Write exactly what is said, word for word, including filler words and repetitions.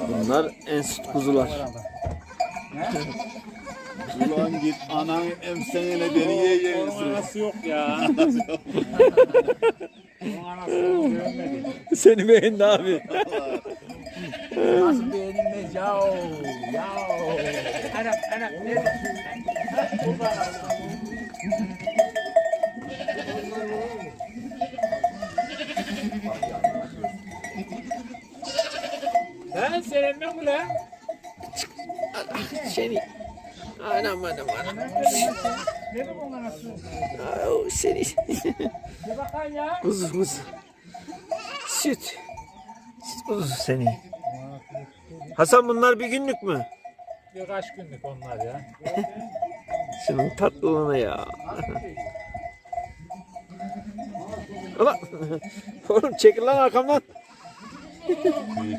Bunlar en süt kuzular. Ulan git anan emsenine deriye yiyorsun. Anası yok ya. Onun anası görmedi. Seni beğendi abi. Nasıl beğenilmez yav yav. Anam anam. Ne? Lan senin mi bu lan? Seni. Anam anam anam. Ne bu bunun anası? Ay, seni. Bir bakan ya. Kuzu kuzu. Süt. Süt kuzusu seni. Hasan bunlar bir günlük mü? Birkaç günlük onlar ya. Şunun tatlılığına ya. Ulan. Oğlum çekil lan arkamdan.